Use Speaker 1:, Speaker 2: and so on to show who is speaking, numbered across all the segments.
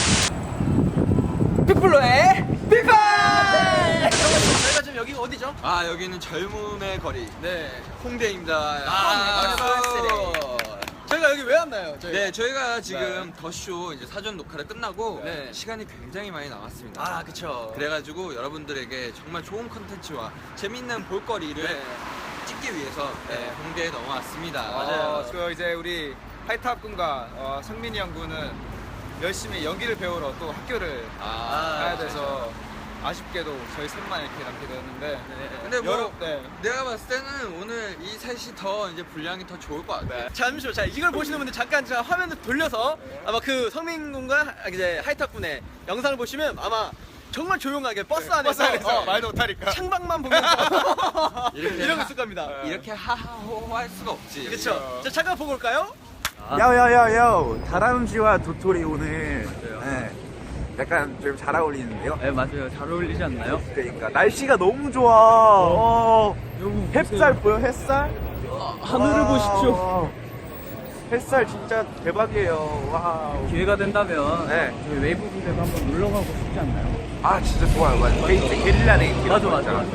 Speaker 1: 빅블로의 빅발! 저희가 지금 여기가 어디죠?
Speaker 2: 아, 여기는 젊음의 거리.
Speaker 1: 네.
Speaker 2: 홍대입니다.
Speaker 1: 박수! 저희가 여기 왜 왔나요?
Speaker 2: 네, 저희가 지금 더쇼 이제 사전 녹화를 끝나고
Speaker 1: 네.
Speaker 2: 시간이 굉장히 많이 남았습니다.
Speaker 1: 아, 그쵸.
Speaker 2: 그래가지고 여러분들에게 정말 좋은 컨텐츠와 재밌는 볼거리를
Speaker 1: 네.
Speaker 2: 찍기 위해서 네, 홍대에 넘어왔습니다.
Speaker 1: 맞아요.
Speaker 3: 그 이제 우리 하이탑 군과 성민이 형 군은 열심히 연기를 배우러 또 학교를 가야 돼서 아쉽게도 저희 셋만 이렇게 남게 되었는데
Speaker 2: 근데 뭐
Speaker 3: 네.
Speaker 2: 내가 봤을 때는 오늘 이 셋이 더 이제 분량이 더 좋을 것 같아.
Speaker 1: 네. 잠시만요. 자, 이걸 보시는 분들 잠깐 제가 화면을 돌려서 아마 그 성민 군과 이제 하이탑 군의 영상을 보시면 아마 정말 조용하게 버스 안에서,
Speaker 3: 말도 못하니까
Speaker 1: 창밖만 보면서
Speaker 2: 이렇게
Speaker 1: 이러고 있을 겁니다.
Speaker 2: 이렇게 하하호호 할 수가 없지.
Speaker 1: 그렇죠. 자, 잠깐 보고 올까요?
Speaker 4: 야야야야 다람쥐와 도토리 오늘 네, 약간 좀 잘 어울리는데요?
Speaker 5: 네 맞아요. 잘 어울리지 않나요?
Speaker 4: 그러니까 날씨가 너무 좋아. 햇살 보여 햇살?
Speaker 5: 하늘을 보십시오.
Speaker 4: 햇살 진짜 대박이에요. 와우.
Speaker 5: 기회가 된다면
Speaker 4: 네.
Speaker 5: 저희 웨이브 부대도 한번 놀러 가고 싶지 않나요?
Speaker 4: 아 진짜 좋아요. 맞아. 게릴라 네이트.
Speaker 5: 맞아.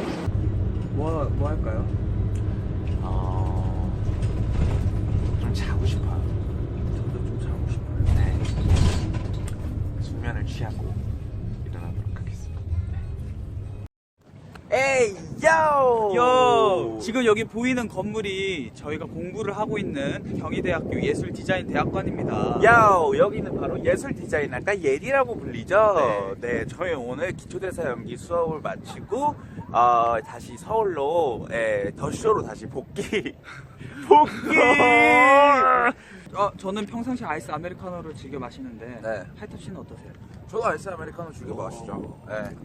Speaker 5: 뭐 할까요?
Speaker 4: 좀 자고 싶어요.
Speaker 5: 저도 좀 자고 싶어요.
Speaker 4: 네. 숙면을 취하고 일어나도록 하겠습니다. 에이 요!
Speaker 5: 지금 여기 보이는 건물이 저희가 공부를 하고 있는 경희대학교 예술디자인대학관입니다.
Speaker 4: 야오 여기는 바로 예술 디자인학과 예리라고 불리죠. 네, 저희 오늘 기초대사 연기 수업을 마치고 다시 서울로 더쇼로 다시 복귀.
Speaker 5: 저는 평상시 아이스 아메리카노를 즐겨 마시는데
Speaker 4: 네.
Speaker 5: 하이탑 씨는 어떠세요?
Speaker 4: 저도 아이스 아메리카노 즐겨 마시죠. 네.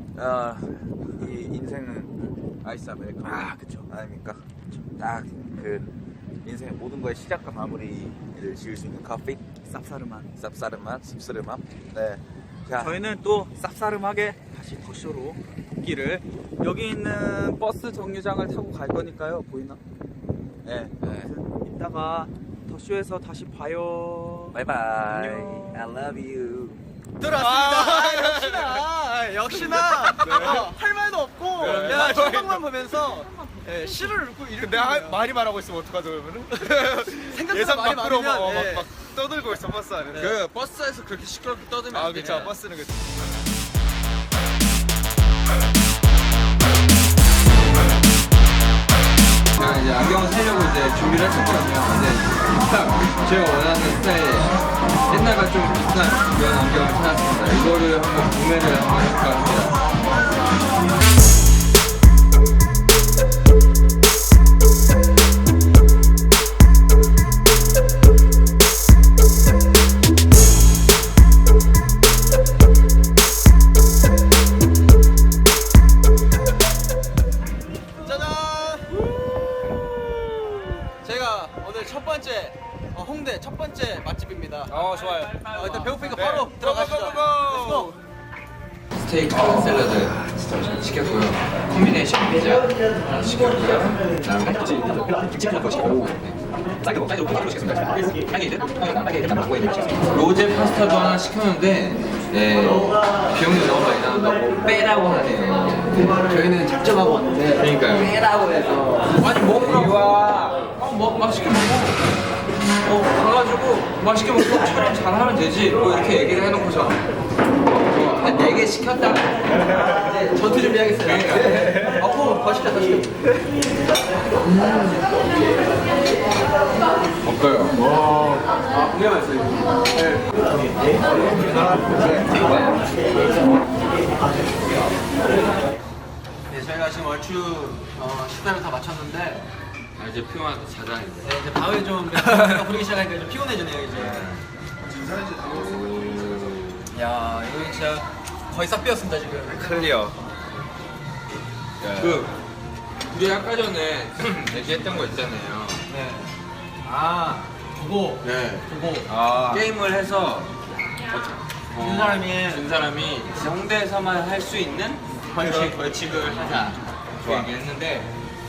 Speaker 4: 이 인생은 아이스 아메리카노.
Speaker 5: 아, 그쵸.
Speaker 4: 아닙니까? 딱 그 인생의 모든 거의 시작과 마무리를 지을 수 있는 커피.
Speaker 5: 쌉싸름한.
Speaker 4: 쌉싸름 맛, 씁쓸한 맛. 네. 자,
Speaker 5: 저희는 또 쌉싸름하게 다시 더쇼로 복귀를 여기 있는 버스 정류장을 타고 갈 거니까요. 보이나?
Speaker 4: 네.
Speaker 5: 이따가 더쇼에서 다시 봐요.
Speaker 4: 바이바이.
Speaker 5: 안녕.
Speaker 4: I love you.
Speaker 1: 들어왔습니다. 역시나 할 말도 없고 그냥 창밖만 보면서 시를 읽고 이렇게
Speaker 3: 근데 말이 말하고 있으면 어떡하죠 그러면은?
Speaker 1: 생각보다
Speaker 3: 예상
Speaker 1: 말이
Speaker 3: 밖으로
Speaker 1: 많으면
Speaker 3: 막 떠들고 있어 버스 안에
Speaker 2: 그 버스에서 그렇게 시끄럽게 떠들면 안 돼.
Speaker 3: 그쵸 버스는 그쵸
Speaker 2: 제가 이제 안경을 사려고 이제 준비를 했었거든요. 근데 딱 제가 원하는 스타일의 옛날과 좀 비슷한 그런 안경을 찾았습니다. 이거를 한번 구매를 한번 해볼까 합니다.
Speaker 1: 제가 오늘 첫 번째 홍대 첫 번째 맛집입니다.
Speaker 3: 좋아요
Speaker 1: 일단 배고프니까
Speaker 3: 네.
Speaker 1: 바로 들어가시죠.
Speaker 3: 고고고고.
Speaker 2: 스테이크 샐러드 시켰고요. 콤비네이션 피자 시켰고요. 그다음에 치킨 거 시켰고 로제 파스타도 하나 시켰는데 비용이 너무 많이 나온다고 빼라고 하네요.
Speaker 1: 저희는 작정하고 왔는데
Speaker 2: 그러니까요.
Speaker 1: 빼라고 해서
Speaker 2: 아니 먹으라고 맛있게 먹어. 가가지고 맛있게 먹고 촬영 잘하면 되지. 뭐 이렇게 얘기를 해놓고서 한 4개 시켰다.
Speaker 1: 네, 전투 준비하겠습니다. 더 시켜.
Speaker 2: 어때요?
Speaker 1: 굉장히 맛있어요. 네, 저희가 지금 얼추 식사를 다 마쳤는데
Speaker 2: 이제 피곤하다 자자 이제.
Speaker 1: 네, 이제 밤에 좀 멤버가 부르기 시작하니까 좀 피곤해지네요 이제. 야, 여기 진짜 거의 싹 비었습니다 지금.
Speaker 3: 클리어
Speaker 2: 그 우리 아까 전에 얘기했던 거 있잖아요.
Speaker 1: 네. 두고.
Speaker 2: 게임을 해서
Speaker 1: 준 사람이
Speaker 2: 준 사람이 홍대에서만 할 수 있는 그런 벌칙을 하자 그 얘기했는데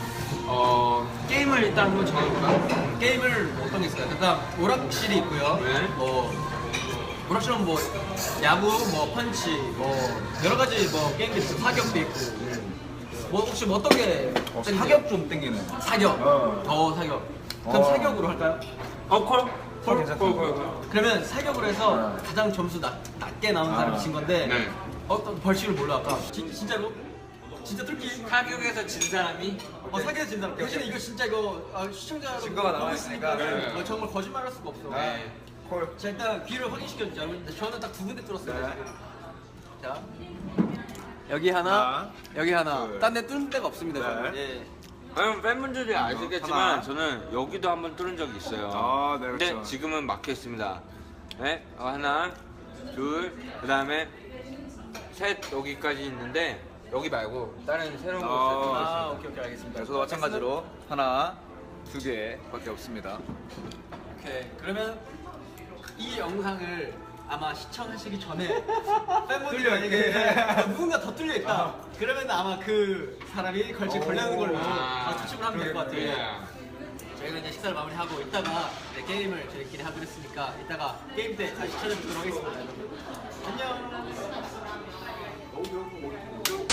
Speaker 2: 게임을 일단 한번 정해볼까요?
Speaker 1: 게임을 어떤 게 있을까요? 일단 오락실이 있고요.
Speaker 2: 네.
Speaker 1: 뭐 오락실은 뭐 야구, 뭐 펀치, 뭐 여러 가지 뭐 게임도 있고 사격도 있고. 뭐 혹시 뭐 어떤 게
Speaker 3: 사격 좀 땡기네.
Speaker 1: 사격, 더 사격. 그럼 사격으로 할까요?
Speaker 5: 콜.
Speaker 1: 그러면 사격으로 해서 가장 점수 낮게 나온 사람이 진 건데
Speaker 2: 네.
Speaker 1: 어떤 벌칙을 뭘로 할까? 진짜로? 진짜 뚫기?
Speaker 2: 사격에서 진 사람이
Speaker 1: 사격에서 진 사람. 대신에 이거 진짜 이거 시청자
Speaker 3: 증거가 나와 있으니까.
Speaker 1: 네. 정말 거짓말할 수가 없어.
Speaker 3: 네. 콜.
Speaker 1: 자 일단 귀를 확인시켜주자. 저는 딱 2군데 뚫었어요.
Speaker 3: 네.
Speaker 1: 지금. 자 여기 하나, 여기 하나.
Speaker 3: 둘.
Speaker 1: 딴 데 뚫는 데가 없습니다.
Speaker 3: 네.
Speaker 1: 저는. 예.
Speaker 2: 아니 팬분들이
Speaker 3: 하나.
Speaker 2: 아시겠지만 저는 여기도 한번 뚫은 적이 있어요.
Speaker 3: 아, 네,
Speaker 2: 근데
Speaker 3: 그렇죠.
Speaker 2: 지금은 막혀 있습니다. 네, 하나, 둘, 그다음에 셋 여기까지 있는데 여기 말고 다른 새로운 곳을
Speaker 1: 오케이 알겠습니다.
Speaker 3: 네, 저도 마찬가지로 하나, 2개밖에 없습니다.
Speaker 1: 오케이. 그러면 이 영상을 아마 시청하시기 전에 팬분들이
Speaker 3: 뚫려
Speaker 1: 만약에
Speaker 3: 있게.
Speaker 1: 누군가 더 뚫려 있다. 그러면 아마 그 사람이 벌칙 걸려는 걸로 추측을 하면 될 것 같아요. 저희가 이제 식사를 마무리하고 이따가 이제 게임을 저희끼리 하기로 했으니까 이따가 게임 때 다시 찾아뵙도록 하겠습니다. 여러분. 안녕.